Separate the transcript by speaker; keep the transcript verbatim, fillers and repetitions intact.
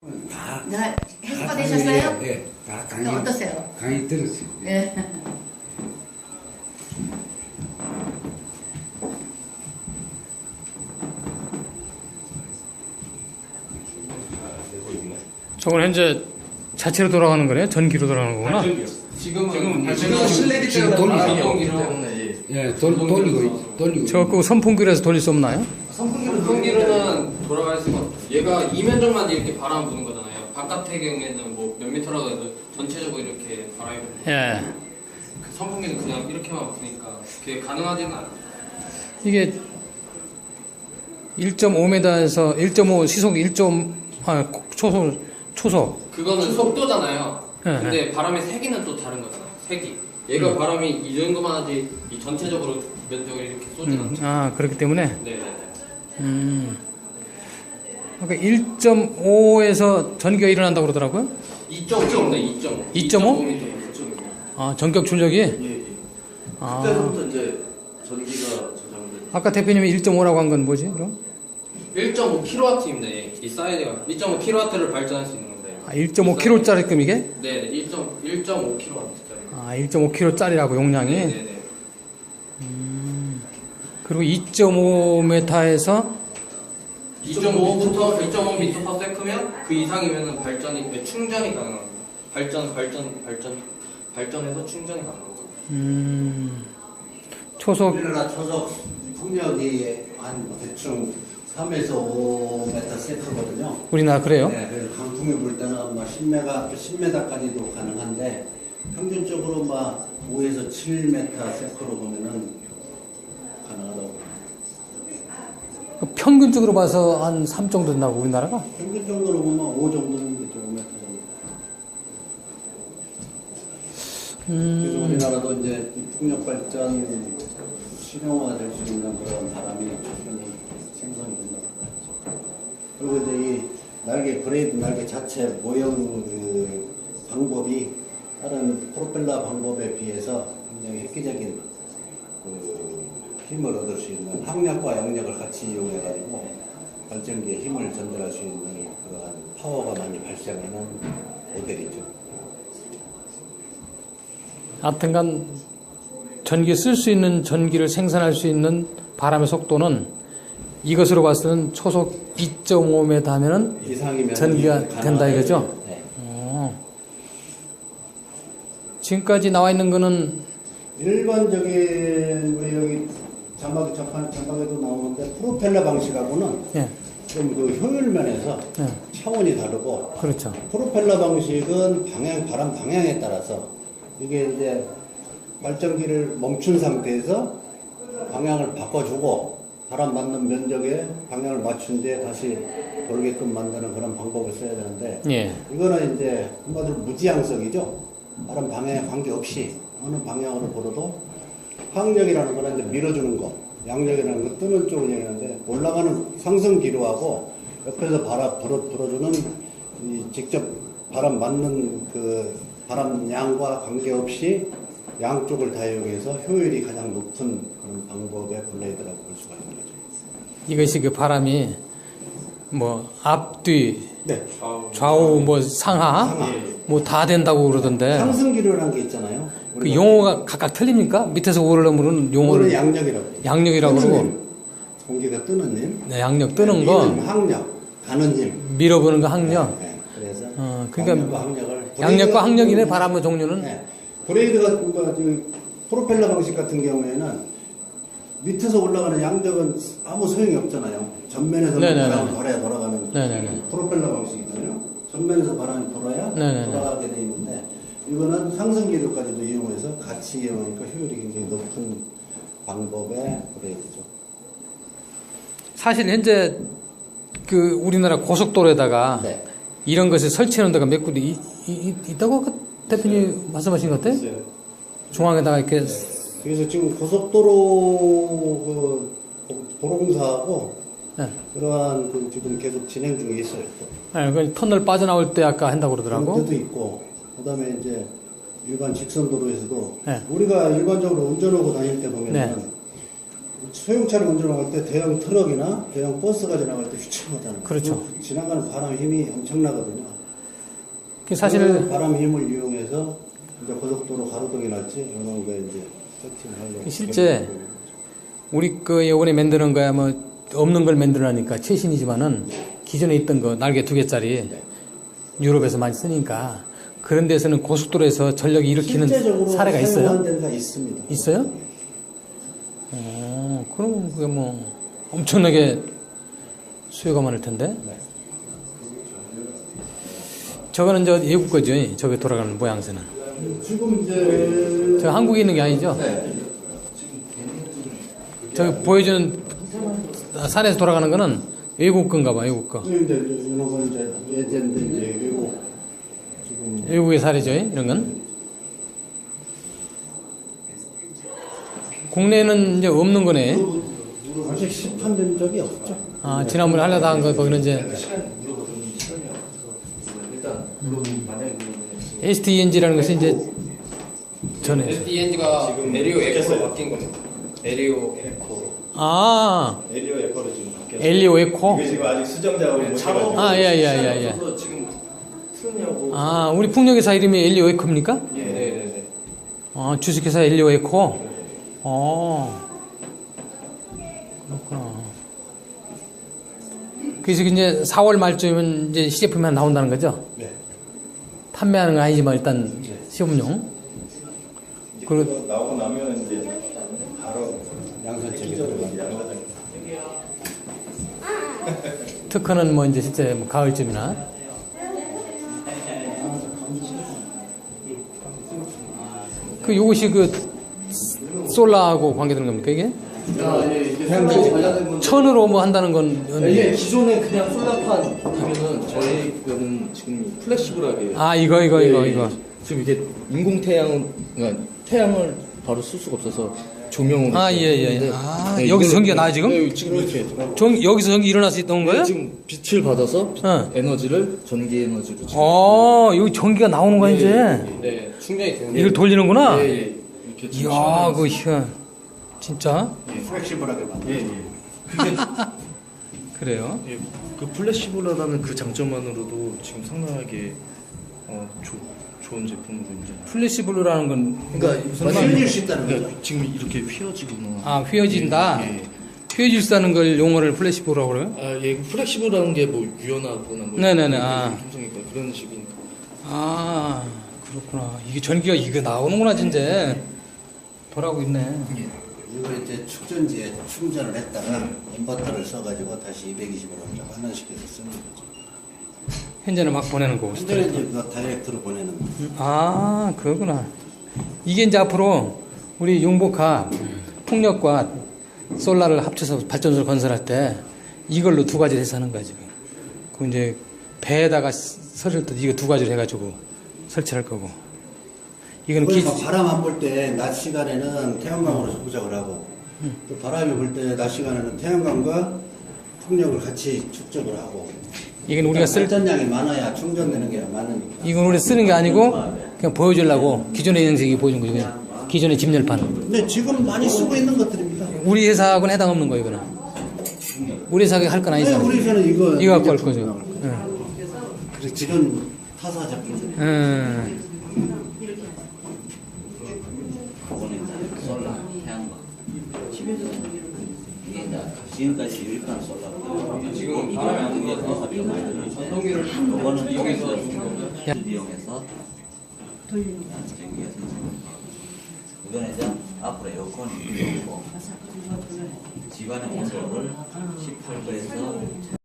Speaker 1: 다,
Speaker 2: 네, 해소가
Speaker 1: 다
Speaker 2: 되셨어요?
Speaker 1: 강의, 네, 다 강의,
Speaker 2: 어떠세요?
Speaker 1: 강의 들었어요.
Speaker 2: 예.
Speaker 3: 저건 현재 자체로 돌아가는 거네요? 전기로 돌아가는 거구나?
Speaker 4: 지금은
Speaker 1: 지금
Speaker 4: 실내기
Speaker 1: 지금
Speaker 4: 때문에
Speaker 1: 돌리죠.
Speaker 4: 발전기 때문에
Speaker 1: 예, 돌, 돌리고, 있- 돌리고.
Speaker 3: 저거 그 선풍기로서 돌릴 수 없나요?
Speaker 4: 선풍기로는 돌아갈 수가 없죠. 얘가 이면적만 이렇게 바람 부는 거잖아요. 바깥의 경우에는 뭐 몇 미터라도 해도 전체적으로 이렇게 바람이 부는 거예요.
Speaker 3: 예.
Speaker 4: 그 선풍기는 그냥 이렇게만 부니까 그게 가능하지는 않아요.
Speaker 3: 이게 일 점 오 미터에서 일 점 오 시속 일. 아, 초속, 초속.
Speaker 4: 그거는 속도잖아요.
Speaker 3: 네,
Speaker 4: 근데 바람의 세기는 또 다른 거잖아요. 세기. 얘가
Speaker 3: 음.
Speaker 4: 바람이 이 정도만 하지 이 전체적으로 면적을 이렇게 쏘진
Speaker 3: 음,
Speaker 4: 않죠.
Speaker 3: 아, 그렇기 때문에.
Speaker 4: 네네네.
Speaker 3: 음. 그러니까 일 점 오에서 전기가 일어난다고 그러더라고요?
Speaker 4: 이 점 오네, 이 점 오.
Speaker 3: 이 점 오?
Speaker 4: 미터, 이 점 오.
Speaker 3: 아, 전격 출력이?
Speaker 5: 예, 예.
Speaker 3: 아.
Speaker 5: 그때부터 이제 전기가 저장된.
Speaker 3: 아까 대표님이 일 점 오라고 한 건 뭐지, 그럼?
Speaker 4: 일 점 오 킬로와트입니다. 이, 이 사이즈가 일 점 오 킬로와트를 발전할 수 있는 건데.
Speaker 3: 아, 일 점 오 킬로와트짜리 끔 이게?
Speaker 4: 네, 일 점 오 킬로와트짜리.
Speaker 3: 아, 일 점 오 킬로와트짜리라고 용량이?
Speaker 4: 네네네.
Speaker 3: 그리고 이 점 오 미터에서
Speaker 4: 이 점 오부터 이 점 오 미터 퍼 세크면 그 이상이면은 발전이 네, 충전이 가능합니다. 발전 발전 발전 발전해서 충전이 가능합니다.
Speaker 3: 음, 초속
Speaker 6: 우리나라 초속 풍력이 한 대충 삼에서 오 미터 세트거든요.
Speaker 3: 우리나라 그래요?
Speaker 6: 네, 그래서 강풍이 불 때는 뭐 십 메가, 십 미터까지도 가능한데 평균적으로 막 오에서 칠 미터 세트로 보면은 가능하다고.
Speaker 3: 그 평균적으로 봐서 한 삼 정도 된다고 우리나라가?
Speaker 6: 평균 정도로 보면 오 정도는 되죠, 오 미터 정도. 그래서
Speaker 3: 음,
Speaker 6: 우리나라도 이제 이 풍력 발전 실용화 될 수 있는 그런 바람이 충분히 생성이 된다고 봐야죠. 그리고 이제 이 날개, 브레이드 날개 자체 모형 그 방법이 다른 프로펠러 방법에 비해서 굉장히 획기적인 그 힘을 얻을 수 있는 항력과 양력을 같이 이용해가지고 발전기에 힘을 전달할 수 있는 그러한 파워가 많이 발생하는 모델이죠.
Speaker 3: 하여튼간 전기 쓸 수 있는 전기를 생산할 수 있는 바람의 속도는 이것으로 봤을 때는 초속 이 점 오 미터 하면은
Speaker 6: 이상이면
Speaker 3: 전기가 된다 이거죠?
Speaker 6: 네.
Speaker 3: 어. 지금까지 나와 있는 거는
Speaker 6: 일반적인 우리 여기 자막 자판 자막에도 나오는데 프로펠러 방식하고는
Speaker 3: 예,
Speaker 6: 좀 그 효율 면에서
Speaker 3: 예,
Speaker 6: 차원이 다르고
Speaker 3: 그렇죠.
Speaker 6: 프로펠러 방식은 방향 바람 방향에 따라서 이게 이제 발전기를 멈춘 상태에서 방향을 바꿔주고 바람 맞는 면적에 방향을 맞춘 뒤에 다시 돌게끔 만드는 그런 방법을 써야 되는데
Speaker 3: 예,
Speaker 6: 이거는 이제 한마디로 무지향석이죠. 바람 방향에 관계없이 어느 방향으로 불어도 항력이라는 거는 이제 밀어주는 거, 양력이라는 거 뜨는 쪽을 얘기하는데 올라가는 상승 기류하고 옆에서 바람 불어, 불어주는 이 직접 바람 맞는 그 바람 양과 관계없이 양쪽을 다 이용해서 효율이 가장 높은 그런 방법의 블레이드라고 볼 수가 있는 거죠.
Speaker 3: 이것이 그 바람이 뭐 앞뒤
Speaker 6: 네.
Speaker 4: 좌우.
Speaker 3: 좌우 뭐 상하
Speaker 6: 상하.
Speaker 3: 뭐 다 된다고 그러던데
Speaker 6: 상승 기류라는 게 있잖아요.
Speaker 3: 그 용어가 각각 틀립니까? 밑에서 오르려면
Speaker 6: 이거는
Speaker 3: 용어를
Speaker 6: 양력이라고.
Speaker 3: 양력이라고
Speaker 6: 뜨는
Speaker 3: 그러고
Speaker 6: 힘. 공기가 뜨는 힘.
Speaker 3: 네, 양력 뜨는 거
Speaker 6: 미는 항력, 가는 힘.
Speaker 3: 밀어보는 거 항력.
Speaker 6: 네, 네. 그래서
Speaker 3: 어, 그러니까
Speaker 6: 양력과 항력을
Speaker 3: 양력과 항력이네
Speaker 6: 브레이드
Speaker 3: 바람의 종류는.
Speaker 6: 네. 브레이드 같은 거, 그 프로펠러 방식 같은 경우에는 밑에서 올라가는 양력은 아무 소용이 없잖아요. 전면에서
Speaker 3: 네네네.
Speaker 6: 바람이 돌아야 돌아가는
Speaker 3: 네네네.
Speaker 6: 프로펠러 방식이잖아요. 전면에서 바람이 돌아야
Speaker 3: 네네네.
Speaker 6: 돌아가게 돼 있는데 이거는 상승 기류까지도 이용해서 같이 이용하니까 효율이 굉장히 높은 방법의 브레이드죠.
Speaker 3: 사실 현재 그 우리나라 고속도로에다가
Speaker 6: 네.
Speaker 3: 이런 것을 설치하는 데가 몇 군데 이, 이, 이- 있다고 아까 대표님 말씀하신 것 같아요?
Speaker 6: 있어요.
Speaker 3: 중앙에다가 이렇게
Speaker 6: 그래서 지금 고속도로 그 도로공사하고
Speaker 3: 네.
Speaker 6: 그러한 그 지금 계속 진행 중에 있어요. 또.
Speaker 3: 네, 그 터널 빠져나올 때 아까 한다고 그러더라고.
Speaker 6: 그런 데도 있고 그다음에 이제 일반 직선 도로에서도
Speaker 3: 네.
Speaker 6: 우리가 일반적으로 운전하고 다닐 때 보면은
Speaker 3: 네.
Speaker 6: 소형차를 먼저 나갈 때 대형 트럭이나 대형 버스가 지나갈 때 휘청하잖아요.
Speaker 3: 그렇죠.
Speaker 6: 그 지나가는 바람 힘이 엄청나거든요.
Speaker 3: 그 사실
Speaker 6: 그 바람 힘을 이용해서 이제 고속도로 가로등이랄지 이런 거 이제 세팅을 하려고.
Speaker 3: 실제 우리 그 이번에 만드는 거야 뭐 없는 걸 만들어내니까 최신이지만은 기존에 있던 거 날개 두 개짜리 유럽에서 많이 쓰니까 그런 데서는 고속도로에서 전력이 일으키는
Speaker 6: 실제적으로
Speaker 3: 사례가 있어요?
Speaker 6: 사용한 데가 있습니다.
Speaker 3: 있어요? 어, 그럼 그게 뭐 엄청나게 수요가 많을 텐데. 저거는 저 외국 거죠. 저게 돌아가는 모양새는.
Speaker 6: 지금 이제
Speaker 3: 저 한국에 있는 게 아니죠? 저기 보여주는 산에서 돌아가는 거는 외국 건가 봐, 외국 거.
Speaker 6: 이제 이런 건 이제 예전인데 이제 외국 지금
Speaker 3: 외국의 사례죠, 이런 건. 국내에는 이제 없는 거네.
Speaker 6: 아직 시판된 적이 없죠.
Speaker 3: 아, 지난번에 하려다 한 거, 거기는 이제 에스티이엔지라는 것이 이제 전에.
Speaker 4: 에스디엔지가 에리오 에코로 바뀐 겁니다. 에리오 에코로.
Speaker 3: 아,
Speaker 2: 에리오 에코로 지금 바뀌었어요.
Speaker 3: 엘리오 에코?
Speaker 2: 이게 지금 아직 수정 작업을 못 해가지고
Speaker 3: 아, 예, 예, 예, 예.
Speaker 5: 그래서 지금 트느냐고.
Speaker 3: 아, 우리 풍력회사 이름이 엘리오 에코입니까?
Speaker 4: 예, 네, 네, 네.
Speaker 3: 아, 주식회사 엘리오 에코? 어, 그렇구나. 그래서 이제 사월 말쯤이면 이제 시제품이 하나 나온다는 거죠?
Speaker 6: 네.
Speaker 3: 판매하는 건 아니지만 일단 시험용.
Speaker 2: 이제
Speaker 3: 그리고-
Speaker 2: 그거 나오고 나면 이제 바로
Speaker 6: 양산책이
Speaker 2: 기존으로 양사장.
Speaker 3: 특허는 뭐 이제 실제 뭐 가을쯤이나. 그 요것이 그 솔라하고 관계되는 겁니까 이게?
Speaker 5: 아, 예, 이게 솔라하고 관련된 건데.
Speaker 3: 천으로 뭐 한다는 건
Speaker 5: 이게 기존에 그냥 솔라판 하면은 저희 거는 지금 플렉시블하게.
Speaker 3: 아 이거 이거
Speaker 5: 예,
Speaker 3: 이거
Speaker 5: 예.
Speaker 3: 이거.
Speaker 5: 지금 이게 인공 태양, 그러니까 태양을 바로 쓸 수가 없어서 조명으로.
Speaker 3: 아, 예, 예.
Speaker 5: 했는데,
Speaker 3: 아,
Speaker 5: 네,
Speaker 3: 여기서
Speaker 5: 이걸로-
Speaker 3: 전기가 나와요, 지금?
Speaker 5: 네, 지금 이렇게.
Speaker 3: 전 여기서 전기 일어날 수 있던 거예요?
Speaker 5: 네, 지금 빛을 받아서
Speaker 3: 어.
Speaker 5: 에너지를 전기 에너지로 지금.
Speaker 3: 어, 여기 전기가 나오는 거야 이제.
Speaker 4: 네, 충전이 되는
Speaker 3: 이걸 돌리는구나.
Speaker 5: 예, 예. 이렇게 지금
Speaker 3: 이야, 그
Speaker 5: 시원하게
Speaker 3: 희한. 진짜?
Speaker 6: 플렉시블하게 만들.
Speaker 5: 예, 예. 근데
Speaker 3: 그래요?
Speaker 5: 예, 그 플래시블러라는 그 장점만으로도 지금 상당하게 어, 조, 좋은 제품으로 이제.
Speaker 3: 플래시블루라는 건
Speaker 5: 그러니까
Speaker 3: 무슨
Speaker 5: 만약에-
Speaker 6: 휘어질 수 있다는
Speaker 5: 그러니까
Speaker 6: 거죠.
Speaker 5: 지금 이렇게 휘어지거나.
Speaker 3: 아, 휘어진다.
Speaker 5: 예, 예.
Speaker 3: 휘어질 수 있다는 걸 용어를 플래시블루라고 그래요?
Speaker 5: 아, 예, 플렉시블이라는 게 뭐 유연하거나 뭐
Speaker 3: 네네네,
Speaker 5: 이런
Speaker 3: 아.
Speaker 5: 품성이니까 그런 식이니까.
Speaker 3: 아, 그렇구나. 이게 전기가 이거 나오는구나 진짜. 돌아오고 있네.
Speaker 6: 이걸 이제 축전지에 충전을 했다가 인버터를 써가지고 다시 이백이십으로 환원시켜서 쓰는 거죠.
Speaker 3: 현재는 막 보내는 거고.
Speaker 6: 현재는 이제 그거 다이렉트로 보내는 거.
Speaker 3: 아, 그거구나. 이게 이제 앞으로 우리 융복합 풍력과 솔라를 합쳐서 발전소를 건설할 때 이걸로 두 가지를 해서 하는 거야, 지금. 그 이제 배에다가 설을 때 이거 두 가지를 해가지고 설치할 거고. 이거는 기,
Speaker 6: 그러니까 바람 안 불 때 낮 시간에는 태양광으로 부작을 하고 또 바람이 불 때 낮 시간에는 태양광과 풍력을 같이 축적을 하고
Speaker 3: 이건 우리가 쓸,
Speaker 6: 발전량이 많아야 충전되는 게 많으니까.
Speaker 3: 이건 우리 쓰는 게 아니고 그냥 보여주려고 기존의 형식이 보여준 거죠, 그냥. 기존의 집열판.
Speaker 6: 근데 지금 많이 쓰고 있는 것들입니다.
Speaker 3: 우리 회사하고는 해당 없는 거, 이거는. 우리 회사가 할 건
Speaker 6: 네,
Speaker 3: 아니잖아.
Speaker 6: 우리 회사는 이거
Speaker 3: 이거 갖고 할
Speaker 6: 제품
Speaker 3: 거죠.
Speaker 6: 나올 거예요.
Speaker 3: 응.
Speaker 6: 그래서 지금 타사 제품들.
Speaker 3: 응.
Speaker 7: 솔라, 태양광. 이게 이제 지금까지 유익한 솔라고
Speaker 4: 지금 바람이 안 불어서 전동기를
Speaker 7: 이거는
Speaker 4: 이용해서
Speaker 7: 이용해서 전기가 생성되는 거. 이거는 이제 앞으로 에어컨이 있고 집안의 온도를 십팔 도에서